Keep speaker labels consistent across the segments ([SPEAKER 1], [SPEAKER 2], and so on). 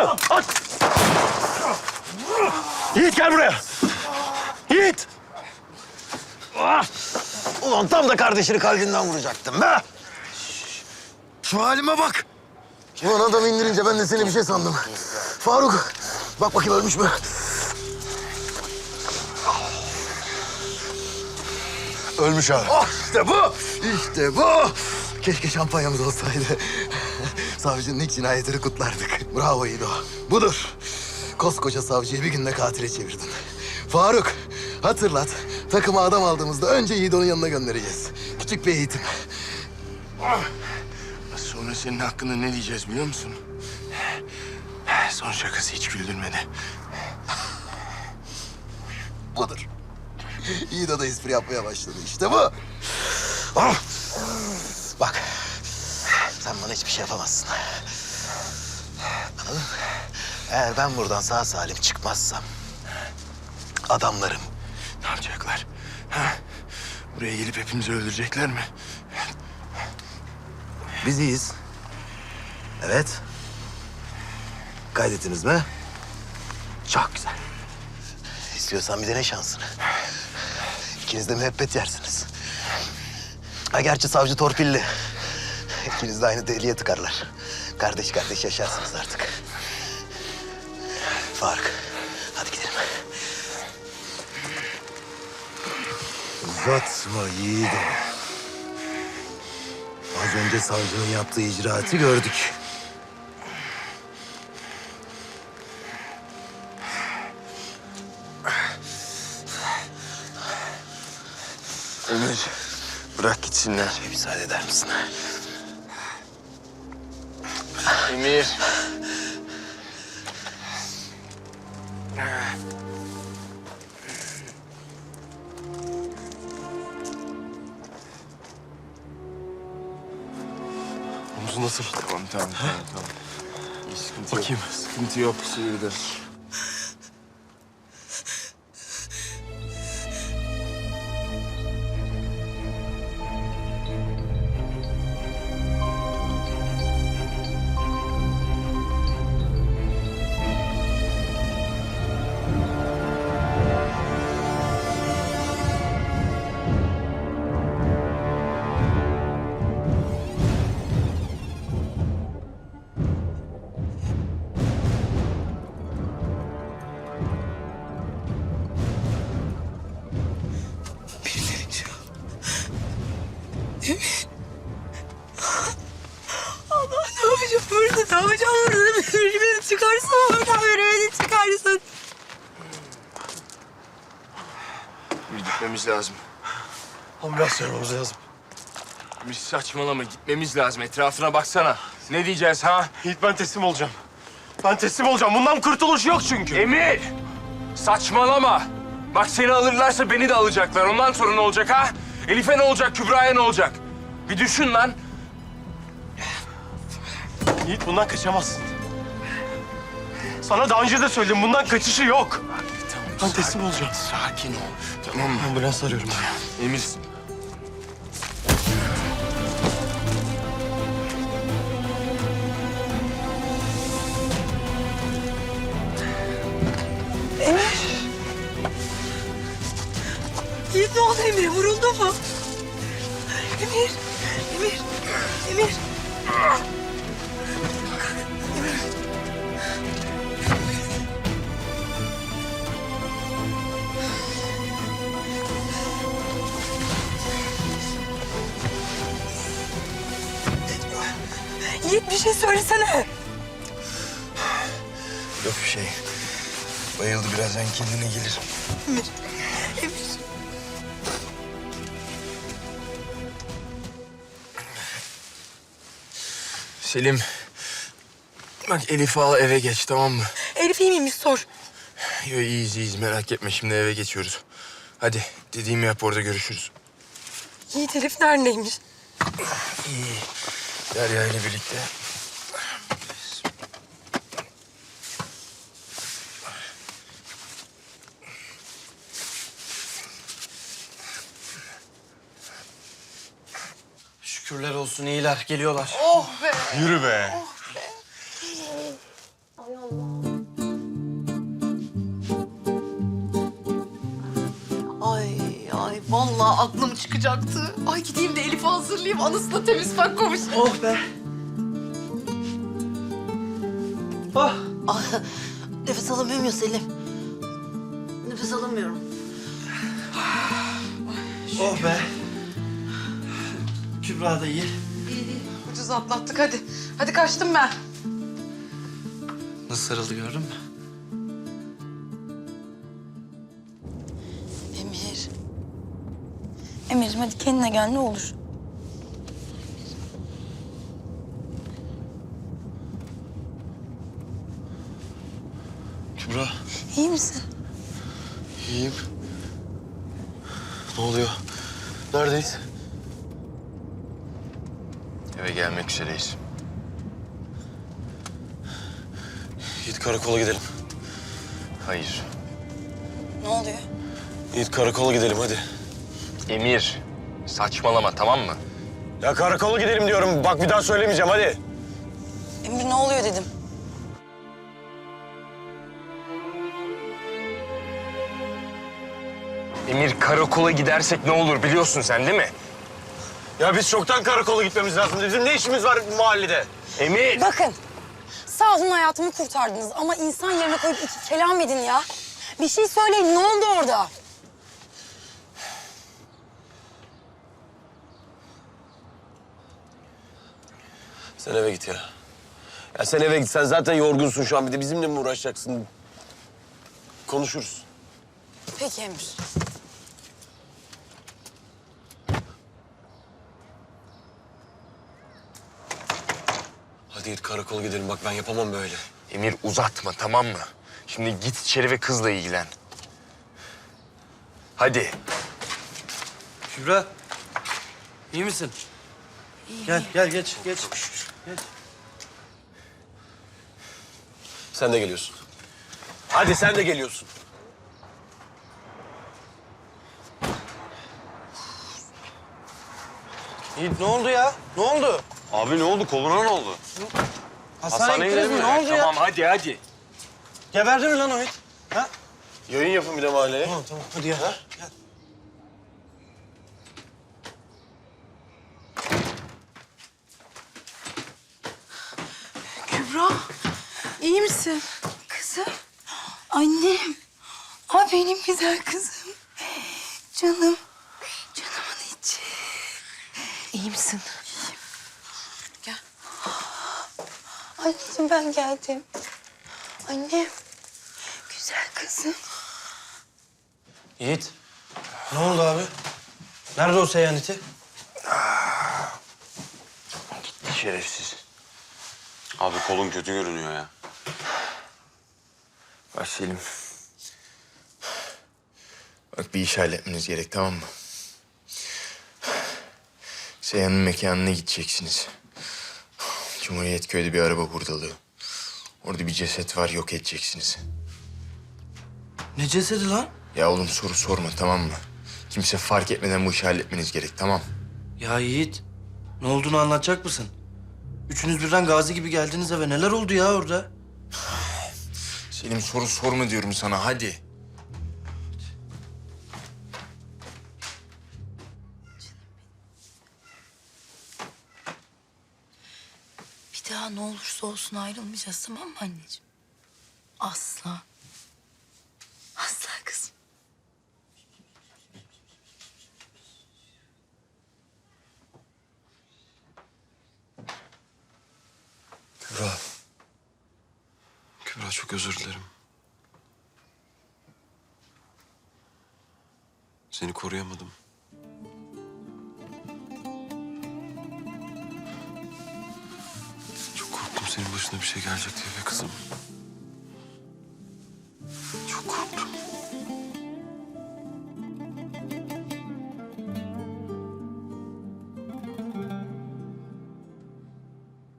[SPEAKER 1] At! Yiğit gel buraya. Yiğit! Ah! Ulan tam da kardeşini kalbinden vuracaktım be.
[SPEAKER 2] Şu halime bak. Ulan adamı indirince ben de seni bir şey sandım. Faruk, bak bakayım ölmüş mü? Ölmüş abi. Oh, işte bu! İşte bu! Keşke şampanyamız olsaydı. Savcının ilk cinayetini kutlardık. Bravo İdo. Budur. Koskoca savcıyı bir günde katile çevirdin. Faruk, hatırlat. Takıma adam aldığımızda önce Yiğido'nun yanına göndereceğiz. Küçük bir eğitim.
[SPEAKER 3] Sonra senin hakkında ne diyeceğiz biliyor musun? Son şakası hiç güldürmedi.
[SPEAKER 2] Budur. Yiğido da espri yapmaya başladı. İşte bu. Ah! Bak, sen bana hiçbir şey yapamazsın. Anladın mı? Eğer ben buradan sağ salim çıkmazsam... adamlarım
[SPEAKER 3] Ne yapacaklar? Ha? Buraya gelip hepimizi öldürecekler mi?
[SPEAKER 2] biz iyiyiz. Evet. Kaydettiniz mi? Çok güzel. İstiyorsan bir dene şansını. İkiniz de müebbet yersiniz. Ha gerçi savcı torpilli. İkiniz de aynı deliğe tıkarlar. Kardeş kardeş yaşarsınız artık. Faruk, hadi gidelim. Uzatma yiğidim. Az önce savcının yaptığı icraatı gördük.
[SPEAKER 3] Emir, bırak gitsinler.
[SPEAKER 2] Bir müsaade eder misin?
[SPEAKER 3] Emir.
[SPEAKER 1] Omuzu nasıl?
[SPEAKER 3] Tamam. İyi, sıkıntı
[SPEAKER 1] Bakayım.
[SPEAKER 3] yok. Sıkıntı yok, sıyırdı.
[SPEAKER 4] Allah ne yapacağım burada? Ne yapacağım burada? Beni çıkarsın oradan, beni çıkarsın.
[SPEAKER 3] Bir gitmemiz lazım.
[SPEAKER 1] Ambulans çağırmamız lazım.
[SPEAKER 3] Emir saçmalama, gitmemiz lazım. Etrafına baksana. Ne diyeceğiz ha?
[SPEAKER 1] Yiğit ben teslim olacağım. Ben teslim olacağım. Bundan kurtuluş yok çünkü.
[SPEAKER 3] Emir! Saçmalama! Bak seni alırlarsa beni de alacaklar. Ondan sonra ne olacak ha? Elif'e ne olacak, Kübra'ya ne olacak? Bir düşün lan.
[SPEAKER 1] Yiğit bundan kaçamazsın. Sana daha önce de söyledim. Bundan kaçışı yok. Ben teslim olacağım.
[SPEAKER 3] Sakin ol. Tamam mı?
[SPEAKER 1] Ambulans arıyorum ben.
[SPEAKER 3] Emir.
[SPEAKER 4] Yiğit ne oldu Emir? Vuruldu mu? Emir, Emir, Emir. Yiğit bir şey söylesene.
[SPEAKER 2] Yok bir şey. Bayıldı, birazdan kendine gelir.
[SPEAKER 4] Emir, Emir.
[SPEAKER 3] Selim. Bak Elif'i al eve geç, tamam mı?
[SPEAKER 4] Elif iyi miymiş sor.
[SPEAKER 3] Yo, iyiyiz merak etme, şimdi eve geçiyoruz. Hadi dediğimi yap, orada görüşürüz.
[SPEAKER 4] Yiğit Elif neredeymiş?
[SPEAKER 3] İyi. Derya ile birlikte.
[SPEAKER 5] Şükürler olsun iyiler, geliyorlar.
[SPEAKER 1] Yürü be.
[SPEAKER 4] Ay Allah.
[SPEAKER 5] Ay vallahi aklım çıkacaktı. Ay gideyim de Elif'i hazırlayayım. Anasına temiz bak konuş.
[SPEAKER 1] Oh be. Oh.
[SPEAKER 4] Ah, nefes alamıyorum ya Selim. Nefes alamıyorum.
[SPEAKER 1] Oh be. Kübra da iyi.
[SPEAKER 5] İyi. Ucuz atlattık hadi. Hadi kaçtım ben.
[SPEAKER 1] Nasıl sarıldı gördün mü?
[SPEAKER 4] Emir. Emir'cim hadi kendine gel ne olur.
[SPEAKER 1] Kübra.
[SPEAKER 4] İyi misin?
[SPEAKER 1] İyiyim. Ne oluyor? Neredeyiz?
[SPEAKER 3] Eve gelmek üzereyiz.
[SPEAKER 1] Yiğit karakola gidelim.
[SPEAKER 3] Hayır.
[SPEAKER 4] Ne oluyor?
[SPEAKER 1] Yiğit karakola gidelim hadi.
[SPEAKER 3] Emir, saçmalama tamam mı?
[SPEAKER 1] Ya karakola gidelim diyorum. Bak bir daha söylemeyeceğim hadi.
[SPEAKER 4] Emir ne oluyor dedim.
[SPEAKER 3] Emir, karakola gidersek ne olur biliyorsun sen değil mi?
[SPEAKER 1] Ya biz çoktan karakola gitmemiz lazım. Bizim ne işimiz var bu mahallede?
[SPEAKER 3] Emir!
[SPEAKER 6] Bakın, sağ olun hayatımı kurtardınız ama insan yerine koyup iki kelam edin ya. Bir şey söyleyin, ne oldu orada?
[SPEAKER 1] Sen eve git ya. Ya sen eve git. Sen zaten yorgunsun şu an. Bir de bizimle mi uğraşacaksın? Konuşuruz.
[SPEAKER 6] Peki Emir.
[SPEAKER 1] Hadi git karakola gidelim. Bak ben yapamam böyle.
[SPEAKER 3] Emir uzatma tamam mı? Şimdi git içeri ve kızla ilgilen. Hadi.
[SPEAKER 7] Kübra, iyi misin? Gel, gel geç, geç. Geç.
[SPEAKER 1] Sen de geliyorsun. Hadi sen de geliyorsun.
[SPEAKER 7] Yiğit ne oldu ya? Ne oldu?
[SPEAKER 1] Abi ne oldu? Koluna ne oldu?
[SPEAKER 7] Hastaneye gittiniz mi? Ne oldu ya?
[SPEAKER 3] Tamam hadi.
[SPEAKER 7] Geberdi mi lan o it? Ha?
[SPEAKER 1] Yayın yapın bir de mahalleye.
[SPEAKER 7] Tamam, tamam. Hadi ya. Gel.
[SPEAKER 5] Kübra, iyi misin?
[SPEAKER 6] Kızım, annem. Aa, benim güzel kızım. Canım, canımın içi.
[SPEAKER 5] İyi misin?
[SPEAKER 6] Gel. Anneciğim ben geldim. Annem, güzel kızım.
[SPEAKER 7] Yiğit, ne oldu abi? Nerede o seyaneti?
[SPEAKER 3] Şerefsiz.
[SPEAKER 8] Abi kolun kötü görünüyor ya.
[SPEAKER 3] Bak Selim. Bak bir iş halletmeniz gerek tamam mı? Seyhan'ın mekanına gideceksiniz. Cumhuriyet Köy'de bir araba hurdalığı. Orada bir ceset var yok edeceksiniz.
[SPEAKER 7] Ne cesedi lan?
[SPEAKER 3] Ya oğlum soru sorma tamam mı? Kimse fark etmeden bu işi halletmeniz gerek tamam.
[SPEAKER 7] Ya Yiğit, ne olduğunu anlatacak mısın? Üçünüz birden gazi gibi geldiniz eve. Neler oldu ya orada?
[SPEAKER 3] Selim soru sorma diyorum sana hadi.
[SPEAKER 6] Bir daha ne olursa olsun ayrılmayacağız tamam mı anneciğim? Asla. Asla kızım.
[SPEAKER 1] Kübra. Kübra çok özür dilerim. Seni koruyamadım. Çok korktum senin başına bir şey gelecek diye be kızım. Çok korktum.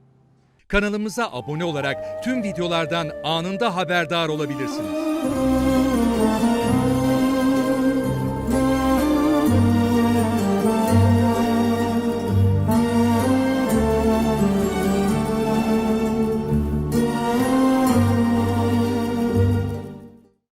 [SPEAKER 9] Kanalımıza abone olarak tüm videolardan anında haberdar olabilirsiniz.